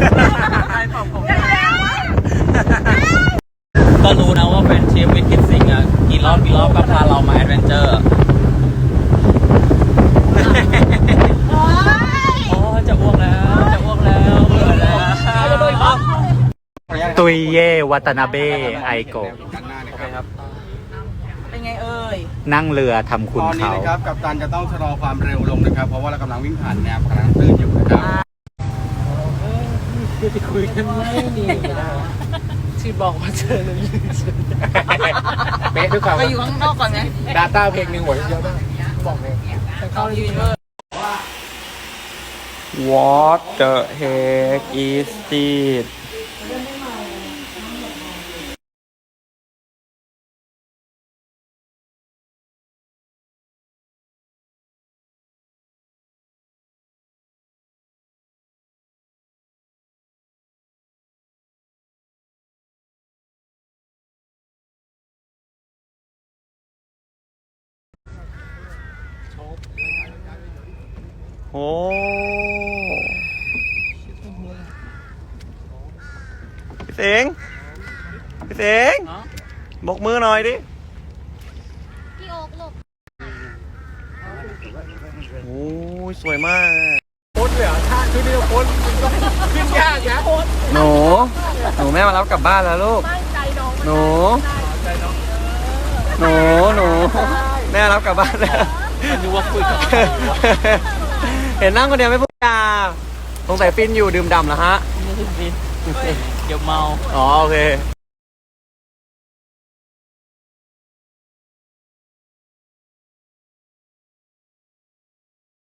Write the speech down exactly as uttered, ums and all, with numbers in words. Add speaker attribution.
Speaker 1: ใครตอบผมก็รู้นะว่าเป็นเชฟวิทคิดสิงอ่ะกี่รอบกี่รอบก็พาเรามาแอดเวนเจอร์โอ้จะอ้วกแล้วจะอ้วกแล้วเบื่อแล้ว
Speaker 2: ตุยเย่วัตนาเบไอโกะ
Speaker 3: เป็นไงเอ่ย
Speaker 2: นั่งเรือทำคุณ
Speaker 4: ตอนนี้
Speaker 2: เขา
Speaker 4: นะครับกัปตันจะต้องชะลอความเร็วลงนะครับเพราะว่าเรากำลังวิ่งผ่านแนวกำลังตื้นอยู่นะครับ
Speaker 1: จะคุยกันไม่ดีที่บอกว่าเจอเลย
Speaker 4: เป๊ะด้วยความ
Speaker 3: ไปอยู่ข้างนอกก่อนไง
Speaker 4: ดาต้าเพลงหนึ่งหัวเยอะมากบอกเลย
Speaker 3: เขายืนเวอร์
Speaker 2: What the heck is this โอ้พี่สิงห์พี่สิงห์บกมือหน่อยดิพี่โอ๊กหลบโอ้ยสวยมากโคตรเลยอ่ะท่าขึ้นนี่โคตรขึ้นยากนะหนูหนูแม่มารับกลับบ้านแล้วลูกหนูหนูหนูแม่รับกลับบ้านแล้ว
Speaker 1: มันดูว่าคุยกับ
Speaker 2: เห็นนั่งคนเดียวไม่พูดจาสงสัยฟินอยู่ดื่มด่ำเหรอฮะ
Speaker 1: ไม่ใช่ฟินเดี๋ยวเมา
Speaker 2: อ๋อโอเค